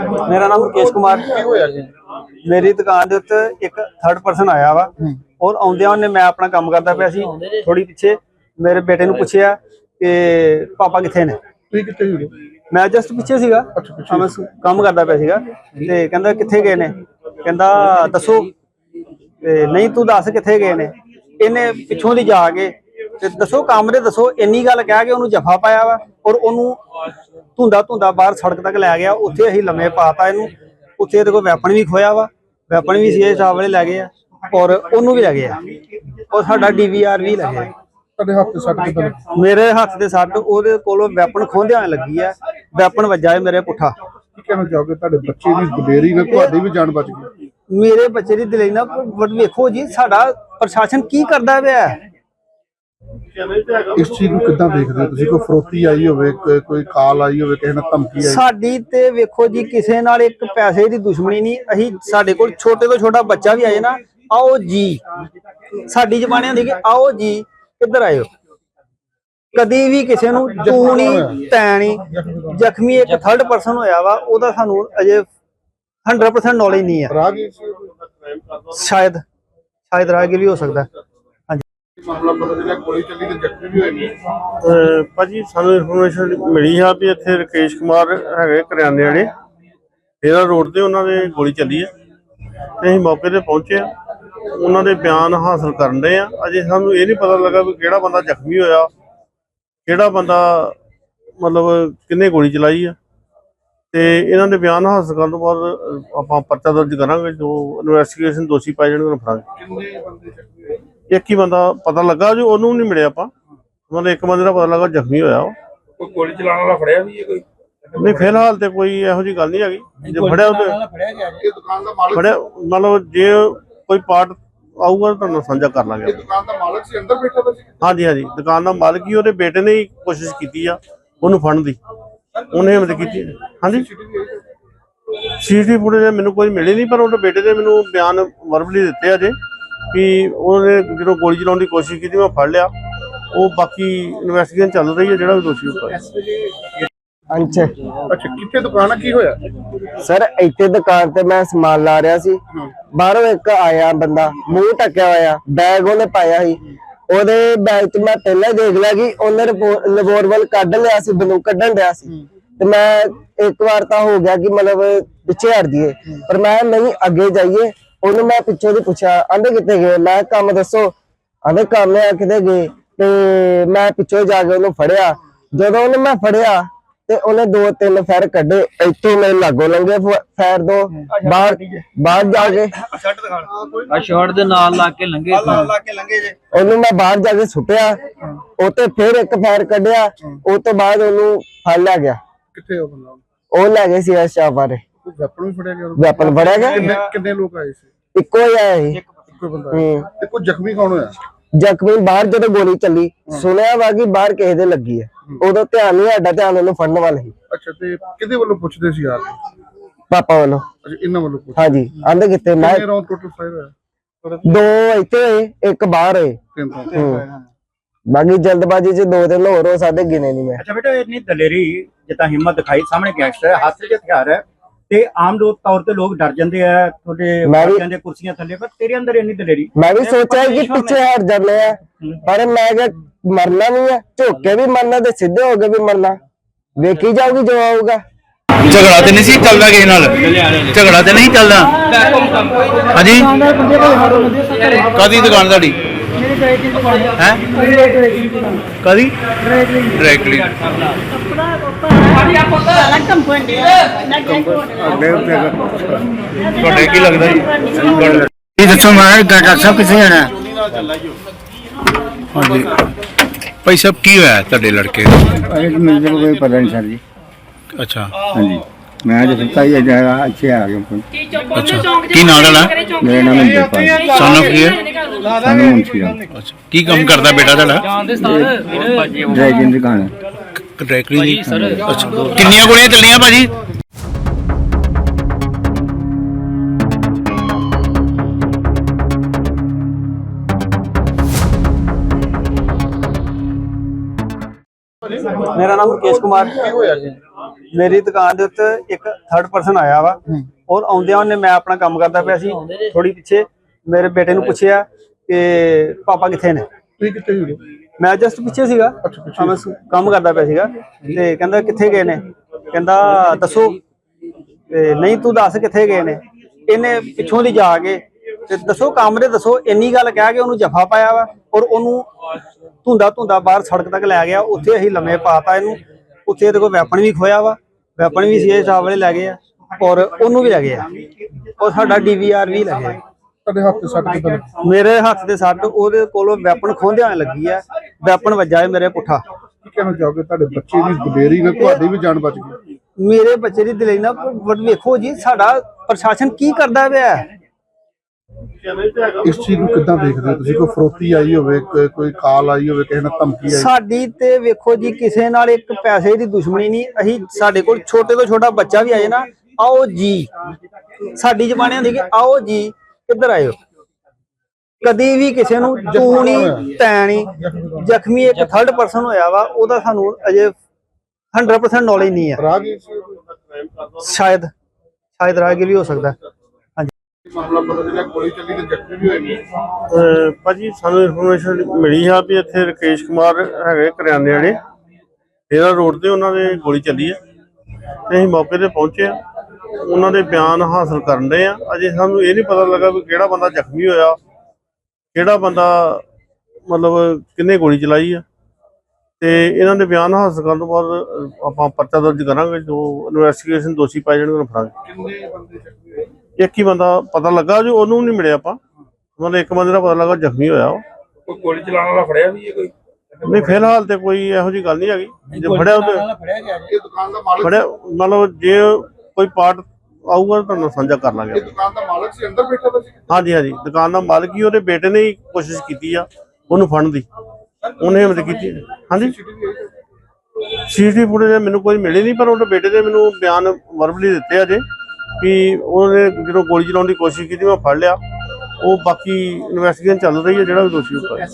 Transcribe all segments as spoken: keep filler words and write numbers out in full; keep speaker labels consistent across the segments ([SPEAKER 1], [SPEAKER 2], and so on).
[SPEAKER 1] मेरा नाम मुकेश कुमार। मेरी दुकान के उत्ते एक थर्ड परसन आया वा और आउंदियां ने मैं अपना काम करता पिया सी, थोड़ी पिछे मेरे बेटे नूं पुछया कि पापा कित्थे ने। मैं जस्ट पिछे सीगा, मैं काम करता पिया सीगा ते कहंदा कित्थे गए ने, कहंदा दसो ते नहीं तू दस कित्थे गए ने। इन्हें पिछों दी जाके ते दसो काम दे दसो इन्नी गल कह के उन्होंने जफा पाया वा और उन्होंने धुंदा धुंदा बाहर सड़क तक लै गया। उत्थे असीं लम्मे पाता इनू, उत्थे इहदे कोल वैपन भी खोया वा, वैपन भी सी साहब वाले लै गए और उन्होंने भी लै गए और साडा डी वी आर भी लै गए। मेरे हत्थ ते सट ओहदे कोलों वैपन खोंदियां लगी है, वैपन वज्जा है मेरे पुट्ठा। मेरे बच्चे दी दिलेरी ना वेखो जी साडा प्रशासन की करदा पिया।
[SPEAKER 2] इस चीज को कितना देखते हो तुसी? कोई फरोती आई होवे, कोई कॉल आई होवे, किसी ने धमकी आई?
[SPEAKER 1] साडी ते वेखो जी किसे नाल एक पैसे दी दुश्मनी नहीं। अही साडे कोल छोटे तो छोटा बच्चा भी आए ना, आओ जी साडी जबान होंदी कि आओ जी किधर आए हो। कदी भी किसी नूं तू नहीं तै नहीं। जख्मी एक थर्ड परसन होया वा, ओदा सानू अजे हंड्रेड परसेंट नॉलेज नहीं है। शायद शायद राहगीर भी हो सकता है।
[SPEAKER 3] भाजी सानू इनफॉर्मेशन मिली है भी इत्थे राकेश कुमार है करियाने वाले डेरा रोड से उन्होंने गोली चली है ते असीं मौके ते पहुंचे आ, उन्होंने बयान हासिल करन दे आ। अजे सानू ये नहीं पता लगा भी किहड़ा बंदा जख्मी होया, किहड़ा बंदा मतलब किन्ने गोली चलाई है। ते इन्हां दे बयान हासिल करन तो बाद आपां परचा दर्ज करांगे, जो इन्वेस्टिगेशन दोषी पाए जाणगे उन्हां फड़ांगे। एक ही बंदा पता लगा जो ओनू नहीं मिले आपा, मतलब एक बंदे का पता लगा जख्मी होया। कोई गोली चलाने वाला फड़िया भी है कोई? नहीं फिलहाल तो कोई इहो जी गल नहीं हैगी। जो फड़िया फड़िया मतलब जे कोई पार्ट आऊगा तो साझा कर लांगे। हाँ जी हाँ जी, दुकान का मालिक ही ਉਹਦੇ बेटे ने ही कोशिश की ਉਹਨੂੰ ਫੜਨ ਦੀ, ਉਹਨੇ ਹਿੰਮਤ ਕੀਤੀ। हाँ जी सीसीटीवी फुटेज मैनू कोई मिली नहीं, पर ਉਹਦੇ बेटे ने मैनू बयान वर्बली दिते अजे कि उन्होंने जो गोली चलाने की कोशिश की मैं फड़ लिया। वो बाकी इन्वेस्टिगेशन चल रही है, जो भी दोषी होगा।
[SPEAKER 2] अच्छा कितने दुकान की होया
[SPEAKER 4] सर? इत्थे दुकान ते मैं समान ला रहा सी, बाहरों एक आया बंदा मुंह ढकिया होया, बैग उन्हें पाया ही, ओदे बैग च मैं पहले देख लिया कि उन्हें रिवॉल्वर कढ लिया सी, बंदूक कढन दिया सी। ते मैं एक बार तो हो गया कि मतलब पिछे हट दिए, पर मैं नहीं अगे जाइए। ਉਹਨੂੰ मैं पिछों दी पूछा आंदे कितने गए, मैं काम दसो, आंदे काम है किते गए। ते मैं पिछों जाके ਉਹਨੂੰ फड़िया, ਜਦੋਂ ਉਹਨੂੰ मैं फड़िया ते ਉਹਨੇ दो तीन फैर कड्डे, इत्थों मेरे लागों लंघे फैर दो, बाहर बाहर जाके
[SPEAKER 5] शॉट दे नाल ला के लंघे
[SPEAKER 4] ਉਹਨੂੰ मैं बाहर जाके सुटिया, ਉੱਤੇ फिर एक फैर कड्डिया, ਉਹ ਤੋਂ ਬਾਅਦ ਉਹਨੂੰ ਫੜ ਲਿਆ ਗਿਆ।
[SPEAKER 2] ਕਿੱਥੇ ਉਹ ਬੰਦਾ?
[SPEAKER 4] ਉਹ ਲੈ ਗਏ ਸੀ ਸ਼ਾਪ ਬਾਰੇ।
[SPEAKER 2] ਵੈਪਨ ਵੀ ਫੜਿਆ ਗਿਆ?
[SPEAKER 4] ਵੈਪਨ ਫੜਿਆ ਗਿਆ।
[SPEAKER 2] ਕਿੰਨੇ ਲੋਕ ਆਏ ਸੀ?
[SPEAKER 4] ਇੱਕੋ ਹੀ ਆਇਆ ਸੀ।
[SPEAKER 2] ਇੱਕੋ ਬੰਦਾ ਤੇ ਕੋਈ ਜ਼ਖਮੀ ਕੌਣ ਹੋਇਆ?
[SPEAKER 4] ਜ਼ਖਮੀ ਬਾਹਰ ਜਦੋਂ ਗੋਲੀ ਚੱਲੀ ਸੁਣਿਆ ਵਾ ਕਿ ਬਾਹਰ ਕਿਸੇ ਦੇ ਲੱਗੀ ਹੈ, ਉਦੋਂ ਧਿਆਨ ਨਹੀਂ, ਸਾਡਾ ਧਿਆਨ ਉਹਨੂੰ ਫੜਨ ਵੱਲ ਸੀ।
[SPEAKER 2] ਅੱਛਾ ਤੇ ਕਿਹਦੇ ਵੱਲੋਂ ਪੁੱਛਦੇ ਸੀ ਯਾਰ?
[SPEAKER 4] ਪਾਪਾ ਵੱਲੋਂ।
[SPEAKER 2] ਅੱਛਾ ਇਹਨਾਂ ਵੱਲੋਂ ਪੁੱਛ?
[SPEAKER 4] ਹਾਂਜੀ ਆਂਦੇ ਕਿਤੇ ਮੈਂ
[SPEAKER 2] ਰਾਉਂਡ ਟੋਟਲ ਫਾਇਰ ਹੋਇਆ?
[SPEAKER 4] ਦੋ ਇੱਥੇ ਹੋਏ, ਇੱਕ ਬਾਹਰ ਹੋਏ।
[SPEAKER 2] ਤਿੰਨ ਤਾਂ
[SPEAKER 4] ਬਾਕੀ ਜਲਦਬਾਜ਼ੀ ਚ ਦੋ ਤਿੰਨ ਹੋਰ ਹੋ ਸਕਦੇ, ਗਿਣੇ ਨਹੀਂ ਮੈਂ।
[SPEAKER 6] अच्छा बेटा इतनी दलेरी जितना हिम्मत दिखाई, सामने गैंगस्टर है, हाथ से हथियार है ते आम लोग तौर ते लोग डर जाते हैं थोड़े कहते कुर्सियां थले, पर तेरे अंदर इतनी दलेरी?
[SPEAKER 4] मैं भी सोचा कि पीछे हट जाने हैं, पर मैं मरना नहीं है, झोके भी मरना ते सीधे हो गए भी मरना, वेखी जाऊगी जो आऊगा।
[SPEAKER 7] झगड़ा तो नहीं चलता किसी नाल? झगड़ा तो नहीं चलता? हाँ जी कदी दुकान ताड़ी है? कदी डायरेक्टली की लगता जी? दसो मैं डॉक्टर साहब कितने जाना? हाँ जी भाई साहब की होया तुहाडे लड़के?
[SPEAKER 8] मुझे कोई पता नहीं सर जी।
[SPEAKER 7] अच्छा
[SPEAKER 8] हाँ जी मैं जो सुनता ही जाएगा अच्छे आ गया।
[SPEAKER 7] अच्छा की नाम है?
[SPEAKER 8] मेरा नाम इंद्रपाल।
[SPEAKER 7] सन ऑफ की है?
[SPEAKER 8] सन मुंशी।
[SPEAKER 7] अच्छा की काम करता बेटा तुहाडा?
[SPEAKER 8] ड्राइविंग दुकान है।
[SPEAKER 7] ड्राइविंग दी? अच्छा कितनी गोलियां चलियां भाजी?
[SPEAKER 1] मेरा नाम मुकेश कुमार। ਮੇਰੀ ਦੁਕਾਨ ਦੇ ਉੱਤੇ ਇੱਕ ਥਰਡ ਪਰਸਨ ਆਇਆ ਵਾ ਔਰ ਆਉਂਦਿਆਂ ਉਹਨੇ ਮੈਂ ਆਪਣਾ ਕੰਮ ਕਰਦਾ ਪਿਆ ਸੀ ਥੋੜੀ ਪਿੱਛੇ ਮੇਰੇ ਬੇਟੇ ਨੂੰ ਪੁੱਛਿਆ ਕਿ ਪਾਪਾ ਕਿੱਥੇ ਨੇ।
[SPEAKER 2] ਤੁਸੀਂ ਕਿੱਥੇ ਹੋ?
[SPEAKER 1] ਮੈਂ ਜਸਟ ਪਿੱਛੇ ਸੀਗਾ, ਹਾਂ, ਮੈਂ ਕੰਮ ਕਰਦਾ ਪਿਆ ਸੀਗਾ ਤੇ ਕਹਿੰਦਾ ਕਿੱਥੇ ਗਏ ਨੇ, ਕਹਿੰਦਾ ਦੱਸੋ ਤੇ ਨਹੀਂ ਤੂੰ ਦੱਸ ਕਿੱਥੇ ਗਏ ਨੇ। ਇਹਨੇ ਪਿੱਛੋਂ ਦੀ ਜਾ ਕੇ ਤੇ ਦੱਸੋ ਕੰਮ ਦੇ ਦੱਸੋ, ਇੰਨੀ ਗੱਲ ਕਹਿ ਕੇ ਉਹਨੂੰ ਜਫਾ ਪਾਇਆ ਵਾ ਔਰ ਉਹਨੂੰ ਧੁੰਦਾ ਧੁੰਦਾ ਬਾਹਰ ਸੜਕ ਤੱਕ ਲੈ ਗਿਆ। ਉੱਥੇ ਅਸੀਂ ਲੰਮੇ ਪਾਤਾ ਇਹਨੂੰ, ਉੱਥੇ ਇਹਦੇ ਕੋਲ ਵੈਪਨ ਵੀ ਖੋਇਆ ਵਾ, ਵੈਪਨ ਵੀ ਸੀਏ ਸਾਹਿਬ ਵਾਲੇ ਲੈ ਗਏ ਆ ਔਰ ਉਹਨੂੰ ਵੀ ਲੈ ਗਏ ਆ ਔਰ ਸਾਡਾ ਡੀਵੀਆਰ ਵੀ ਲੈ ਗਏ।
[SPEAKER 2] ਤੁਹਾਡੇ ਹੱਥ ਤੇ ਸੱਟ ਕਿੱਦਾਂ ਲੱਗੀ?
[SPEAKER 1] ਮੇਰੇ ਹੱਥ ਦੇ ਸੱਟ ਉਹਦੇ ਕੋਲੋਂ ਵੈਪਨ ਖੋਹਦਿਆਂ ਲੱਗੀ ਆ, ਵੈਪਨ ਵੱਜਾ ਹੈ ਮੇਰੇ ਪੁੱਠਾ।
[SPEAKER 2] ਕੀ ਕਹਿਣਾ ਚਾਹੋਗੇ ਤੁਹਾਡੇ ਬੱਚੇ ਦੀ ਦਲੇਰੀ ਨਾਲ ਤੁਹਾਡੀ ਵੀ ਜਾਨ ਬਚ ਗਈ?
[SPEAKER 1] ਮੇਰੇ ਬੱਚੇ ਦੀ ਦਲੇਰੀ ਨਾਲ ਬਟ ਵੇਖੋ ਜੀ ਸਾਡਾ ਪ੍ਰਸ਼ਾਸਨ ਕੀ ਕਰਦਾ ਪਿਆ।
[SPEAKER 2] ਇਸ ਚੀਜ਼ ਨੂੰ ਕਿੱਦਾਂ ਦੇਖਦੇ ਹੋ ਤੁਸੀਂ? ਕੋਈ ਫਰੋਤੀ ਆਈ ਹੋਵੇ, ਕੋਈ- ਕੋਈ ਕਾਲ ਆਈ ਹੋਵੇ, ਕਿਸੇ ਨਾਲ ਧਮਕੀ ਆਈ?
[SPEAKER 1] ਸਾਡੀ ਤੇ ਵੇਖੋ ਜੀ ਕਿਸੇ ਨਾਲ ਇੱਕ ਪੈਸੇ ਦੀ ਦੁਸ਼ਮਣੀ ਨਹੀਂ। ਅਸੀਂ ਸਾਡੇ ਕੋਲ ਛੋਟੇ ਤੋਂ ਛੋਟਾ ਬੱਚਾ ਵੀ ਆਏ ਨਾ, ਆਓ ਜੀ, ਸਾਡੀ ਜ਼ਬਾਨ ਹੁੰਦੀ ਕਿ ਆਓ ਜੀ ਕਿੱਧਰ ਆਇਓ। ਕਦੀ ਵੀ ਕਿਸੇ ਨੂੰ ਤੂੰ ਨਹੀਂ ਤੈਂ ਨਹੀਂ। ਜ਼ਖਮੀ ਇੱਕ ਥਰਡ ਪਰਸਨ ਹੋਇਆ ਵਾ, ਉਹਦਾ ਸਾਨੂੰ ਅਜੇ ਹੰਡਰਡ ਪਰਸੈਂਟ ਨੌਲੇਜ ਨਹੀਂ ਹੈ।
[SPEAKER 2] ਰਾਗੀ
[SPEAKER 1] ਸ਼ਾਇਦ ਸ਼ਾਇਦ ਰਾਹਗੀਰ ਵੀ ਹੋ ਸਕਦਾ।
[SPEAKER 2] ਮਾਮਲਾ ਪਤਾ ਚੱਲਿਆ ਗੋਲੀ ਚੱਲੀ ਤੇ ਜ਼ਖਮੀ ਵੀ ਹੋਏ।
[SPEAKER 3] ਅਹ ਭਾਜੀ ਸਾਨੂੰ ਇਨਫੋਰਮੇਸ਼ਨ ਮਿਲੀ ਆ ਵੀ ਇੱਥੇ ਰਕੇਸ਼ ਕੁਮਾਰ ਹੈਗੇ ਕਰਿਆਨੇ ਵਾਲੇ, ਇਹਦਾ ਰੋਡ ਤੇ ਉਹਨਾਂ ਦੇ ਗੋਲੀ ਚੱਲੀ ਆ ਤੇ ਅਸੀਂ ਮੌਕੇ ਤੇ ਪਹੁੰਚੇ ਆ, ਉਹਨਾਂ ਦੇ ਬਿਆਨ ਹਾਸਲ ਕਰਨ ਦੇ ਆ। ਅਜੇ ਸਾਨੂੰ ਇਹ ਨਹੀਂ ਪਤਾ ਲੱਗਾ ਵੀ ਕਿਹੜਾ ਬੰਦਾ ਜ਼ਖਮੀ ਹੋਇਆ, ਕਿਹੜਾ ਬੰਦਾ ਮਤਲਬ ਕਿੰਨੇ ਗੋਲੀ ਚਲਾਈ ਆ। ਤੇ ਇਹਨਾਂ ਦੇ ਬਿਆਨ ਹਾਸਲ ਕਰਨ ਤੋਂ ਬਾਅਦ ਆਪਾਂ ਪਰਚਾ ਦਰਜ ਕਰਾਂਗੇ, ਜੋ ਇਨਵੈਸਟੀਗੇਸ਼ਨ ਦੋਸ਼ੀ ਪਾਏ ਜਾਣਗੇ ਉਹਨੂੰ ਫੜਾਂਗੇ।
[SPEAKER 2] ਕਿੰਨੇ ਬੰਦੇ ਜ਼ਖਮੀ ਹੋਏ?
[SPEAKER 3] ਇੱਕ ਹੀ ਬੰਦਾ ਪਤਾ ਲੱਗਾ, ਜੋ ਉਹਨੂੰ ਨਹੀਂ ਮਿਲਿਆ ਆਪਾਂ, ਮਤਲਬ ਇੱਕ ਬੰਦੇ ਦਾ ਪਤਾ ਲੱਗਾ ਜ਼ਖਮੀ ਹੋਇਆ ਉਹ।
[SPEAKER 7] ਕੋਈ ਗੋਲੀ ਚਲਾਉਣ ਵਾਲਾ ਫੜਿਆ ਵੀ ਹੈ ਕੋਈ?
[SPEAKER 3] ਨਹੀਂ ਫਿਲਹਾਲ ਤੇ ਕੋਈ ਇਹੋ ਜਿਹੀ ਗੱਲ ਨਹੀਂ ਹੈਗੀ। ਜੇ ਫੜਿਆ ਉਹ
[SPEAKER 2] ਇਹ ਦੁਕਾਨ ਦਾ ਮਾਲਕ
[SPEAKER 3] ਫੜਿਆ ਮਤਲਬ ਜੇ ਕੋਈ ਪਾਰਟ ਆਊਗਾ ਤਾਂ ਤੁਹਾਨੂੰ ਸਾਂਝਾ ਕਰ ਲਾਂਗੇ।
[SPEAKER 2] ਇਹ ਦੁਕਾਨ ਦਾ ਮਾਲਕ ਸੀ, ਅੰਦਰ ਬੈਠਾ ਸੀ?
[SPEAKER 3] ਹਾਂਜੀ ਹਾਂਜੀ, ਦੁਕਾਨ ਦਾ ਮਾਲਕ ਹੀ, ਉਹਦੇ ਬੇਟੇ ਨੇ ਹੀ ਕੋਸ਼ਿਸ਼ ਕੀਤੀ ਆ ਉਹਨੂੰ ਫੜਨ ਦੀ, ਉਹਨੇ ਹਿੰਮਤ ਕੀਤੀ। ਹਾਂਜੀ ਸੀਸੀਟੀਵੀ ਫੁਟੇਜ ਮੈਨੂੰ ਕੋਈ ਮਿਲੀ ਨਹੀਂ, ਪਰ ਉਹਦੇ ਬੇਟੇ ਦੇ ਮੈਨੂੰ ਬਿਆਨ ਵਰਬਲੀ ਦਿੱਤੇ ਆ ਜੇ ਵੀ ਉਹਨੇ ਜਦੋਂ ਗੋਲੀ ਚਲਾਉਣ ਦੀ ਕੋਸ਼ਿਸ਼ ਕੀਤੀ ਮੈਂ ਫੜ ਲਿਆ। ਉਹ ਬਾਕੀ ਇਨਵੈਸਟੀਗੇਸ਼ਨ ਚੱਲ ਰਹੀ ਹੈ, ਜਿਹੜਾ ਵੀ ਦੋਸ਼ੀ ਹੋਊਗਾ।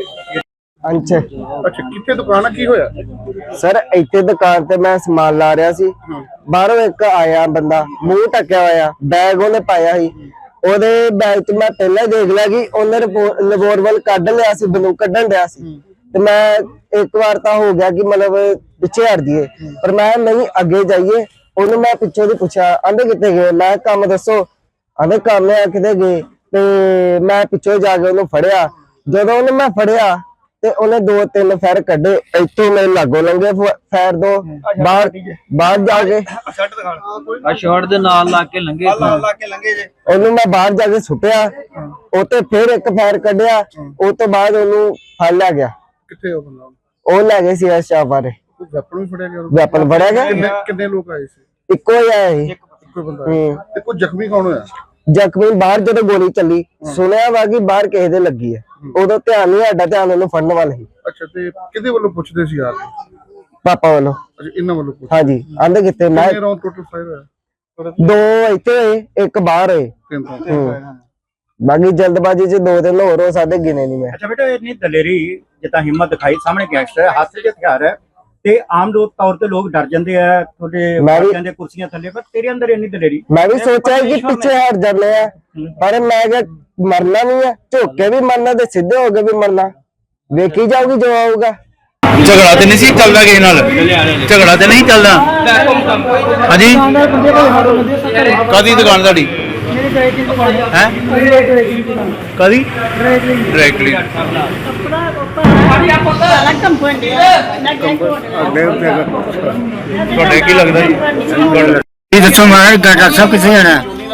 [SPEAKER 4] ਅੰਚ
[SPEAKER 2] ਅੱਛਾ, ਕਿੱਥੇ ਦੁਕਾਨ ਆ? ਕੀ ਹੋਇਆ?
[SPEAKER 4] ਸਰ ਇੱਥੇ ਦੁਕਾਨ ਤੇ ਮੈਂ ਸਮਾਨ ਲਾ ਰਿਹਾ ਸੀ, ਬਾਹਰੋਂ ਇੱਕ ਆਇਆ ਬੰਦਾ, ਮੂੰਹ ਟੱਕਿਆ ਹੋਇਆ, ਬੈਗ ਉਹਨੇ ਪਾਇਆ ਸੀ। ਉਹਦੇ ਬੈਗ 'ਚ ਮੈਂ ਪਹਿਲਾਂ ਦੇਖ ਲਿਆ ਕਿ ਉਹਨੇ ਰਿਵੋਲਵਰ ਕੱਢ ਲਿਆ ਸੀ, ਬੰਦੂਕ ਕੱਢਣ ਡਿਆ ਸੀ। ਤੇ ਮੈਂ ਇੱਕ ਵਾਰ ਤਾਂ ਹੋ ਗਿਆ ਕਿ ਮਤਲਬ ਪਿੱਛੇ ਹਟ ਜਾਈਏ, ਪਰ ਮੈਂ ਨਹੀਂ ਅੱਗੇ ਜਾਈਏ। ਉਹਨੂੰ ਮੈਂ ਪਿੱਛੇ ਦੀ ਪੁੱਛਿਆ, ਆਂਦੇ ਕਿੱਥੇ ਗਏ? ਮੈਂ ਕੰਮ ਦੱਸੋ, ਆਂਦੇ ਕੰਮ ਆ ਕਿਤੇ ਗਏ। ਤੇ ਮੈਂ ਪਿੱਛੇ ਜਾ ਕੇ ਉਹਨੂੰ ਫੜਿਆ। ਜਦੋਂ ਉਹਨੇ ਮੈਂ ਫੜਿਆ ਤੇ ਉਹਨੇ ਦੋ ਤਿੰਨ ਫੈਰ ਕੱਢੇ, ਇੱਥੋਂ ਮੇਰੇ ਲਾਗੋਂ ਲੰਘੇ ਫੈਰ ਦੋ, ਬਾਹਰ ਬਾਹਰ ਜਾ ਕੇ
[SPEAKER 5] ਆ ਸ਼ਾਟ ਦੇ ਨਾਲ ਲਾ ਕੇ ਲੰਘੇ
[SPEAKER 4] ਉਹਨੂੰ ਮੈਂ ਬਾਹਰ ਜਾ ਕੇ ਸੁੱਟਿਆ। ਉਹ ਤੇ ਫਿਰ ਇੱਕ ਫੈਰ ਕੱਢਿਆ, ਉਹ ਤੋਂ ਬਾਅਦ ਉਹਨੂੰ ਫੜ ਲਿਆ ਗਿਆ।
[SPEAKER 2] ਕਿੱਥੇ ਉਹ ਬੰਦਾ?
[SPEAKER 4] ਉਹ ਲੈ ਗਏ ਸੀ ਸ਼ਾਪ ਬਾਰੇ,
[SPEAKER 2] ਵੈਪਨ ਵੀ ਫੜਿਆ ਗਿਆ?
[SPEAKER 4] ਵੈਪਨ ਫੜਿਆ ਗਿਆ।
[SPEAKER 2] ਕਿੰਨੇ ਕਿੰਨੇ ਲੋਕ ਆਏ ਸੀ?
[SPEAKER 4] ਇੱਕੋ ਹੀ ਆਇਆ ਸੀ।
[SPEAKER 2] ਇੱਕੋ ਬੰਦਾ ਆਇਆ। ਤੇ ਕੋਈ ਜ਼ਖਮੀ ਕੌਣ ਹੋਇਆ?
[SPEAKER 4] ਜ਼ਖਮੀ ਬਾਹਰ ਜਦੋਂ ਗੋਲੀ ਚੱਲੀ ਸੁਣਿਆ ਵਾ ਕਿ ਬਾਹਰ ਕਿਸੇ ਦੇ ਲੱਗੀ ਹੈ, ਉਦੋਂ ਧਿਆਨ ਨਹੀਂ, ਸਾਡਾ ਧਿਆਨ ਉਹਨੂੰ ਫੜਨ ਵੱਲ ਸੀ।
[SPEAKER 2] ਅੱਛਾ, ਤੇ ਕਿਹਦੇ ਵੱਲੋਂ ਪੁੱਛਦੇ ਸੀ ਯਾਰ?
[SPEAKER 4] ਪਾਪਾ ਵੱਲੋਂ।
[SPEAKER 2] ਅੱਛਾ, ਇਹਨਾਂ ਵੱਲੋਂ ਪੁੱਛ।
[SPEAKER 4] ਹਾਂਜੀ, ਆਂਦੇ ਕਿੱਥੇ? ਮੈਂ
[SPEAKER 2] ਕਿੰਨੇ ਰਾਉਂਡ ਟੋਟਲ ਫਾਇਰ ਹੋਇਆ?
[SPEAKER 4] ਦੋ ਇੱਥੇ ਹੋਏ, ਇੱਕ ਬਾਹਰ ਹੋਏ।
[SPEAKER 2] ਤਿੰਨ ਤਾਂ
[SPEAKER 4] ਬਾਕੀ ਜਲਦਬਾਜ਼ੀ ਚ ਦੋ ਤਿੰਨ ਹੋਰ ਹੋ ਸਕਦੇ, ਗਿਣੇ ਨਹੀਂ ਮੈਂ।
[SPEAKER 6] ਅੱਛਾ ਬੇਟਾ, ਇੰਨੀ ਦਲੇਰੀ ਜਿੱਦਾਂ ਹਿੰਮਤ ਦਿਖਾਈ, ਸਾਹਮਣੇ ਗੈਂਗਸਟਰ ਹੈ, ਹੱਥ 'ਚ ਹਥਿਆਰ ਹੈ ਤੇ ਆਮ ਲੋਕ ਤੌਰ ਤੇ ਲੋਕ ਡਰ ਜਾਂਦੇ ਆ ਤੁਹਾਡੇ ਬੱਚਿਆਂ ਦੇ ਕੁਰਸੀਆਂ ਥੱਲੇ, ਪਰ ਤੇਰੇ ਅੰਦਰ ਇੰਨੀ ਦਲੇਰੀ।
[SPEAKER 4] ਮੈਂ ਵੀ ਸੋਚਿਆ ਕਿ ਪਿੱਛੇ ਹਟ ਜਾਂਦੇ ਆ, ਪਰ ਮੈਂ ਕਿਹਾ ਮਰਨਾ ਨਹੀਂ ਹੈ, ਝੁੱਕ ਕੇ ਵੀ ਮਰਨਾ ਤੇ ਸਿੱਧੇ ਹੋ ਕੇ ਵੀ ਮਰਨਾ, ਵੇਖੀ ਜਾਊਗੀ ਜੋ ਆਊਗਾ।
[SPEAKER 7] ਝਗੜਾ ਤੇ ਨਹੀਂ ਸੀ ਚੱਲਦਾ ਕਿਸੇ ਨਾਲ? ਝਗੜਾ ਤੇ ਨਹੀਂ ਚੱਲਦਾ? ਹਾਂਜੀ, ਕਾਦੀ ਦੁਕਾਨ ਤੁਹਾਡੀ ਹੈ? ਕਾਦੀ? Dry clean. ਤੁਹਾਡੇ ਕੀ ਲੱਗਦਾ ਜੀ?
[SPEAKER 8] ਇਹ ਦੱਸੋ ਮੈਂ ਡਾਕਟਰ ਸਾਹਿਬ ਕਿੱਥੇ ਜਾਣਾ?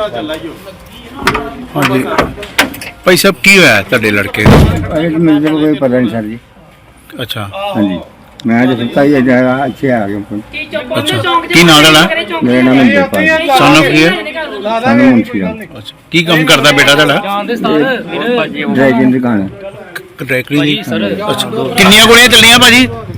[SPEAKER 7] ਹਾਂਜੀ ਭਾਈ ਸਾਹਿਬ, ਕੀ ਹੋਇਆ ਤੁਹਾਡੇ ਲੜਕੇ ਨੂੰ?
[SPEAKER 8] ਅਰੇ ਮੈਨੂੰ ਕੋਈ ਪਤਾ ਨਹੀਂ ਸਰ ਜੀ।
[SPEAKER 7] ਅੱਛਾ
[SPEAKER 8] ਹਾਂਜੀ, ਮੈਂ ਅੱਜ ਸੁੱਤਾ ਹੀ ਜਾਏਗਾ, ਇੱਥੇ ਆ ਗਿਆ ਫੋਨ।
[SPEAKER 7] ਅੱਛਾ, ਕੀ ਨਾਂ ਤੁਹਾਡਾ?
[SPEAKER 8] ਮੇਰਾ ਨਾਮ ਹੈ ਜਪਾਲ।
[SPEAKER 7] ਸਨ ਆਫ ਕੀ ਹੈ?
[SPEAKER 8] ਸਾਨੂੰ ਮੁੰਸ਼ੀ ਰਾਮ।
[SPEAKER 7] ਅੱਛਾ, ਕੀ ਕੰਮ ਕਰਦਾ ਬੇਟਾ ਤੁਹਾਡਾ?
[SPEAKER 8] ਡਰਾਈ ਕਲੀਨ ਦੁਕਾਨ ਹੈ।
[SPEAKER 7] ਡਾਇਰੈਕਟਲੀ ਅੱਛਾ, ਕਿੰਨੀਆਂ ਗੋਲੀਆਂ ਚੱਲੀਆਂ ਭਾਜੀ?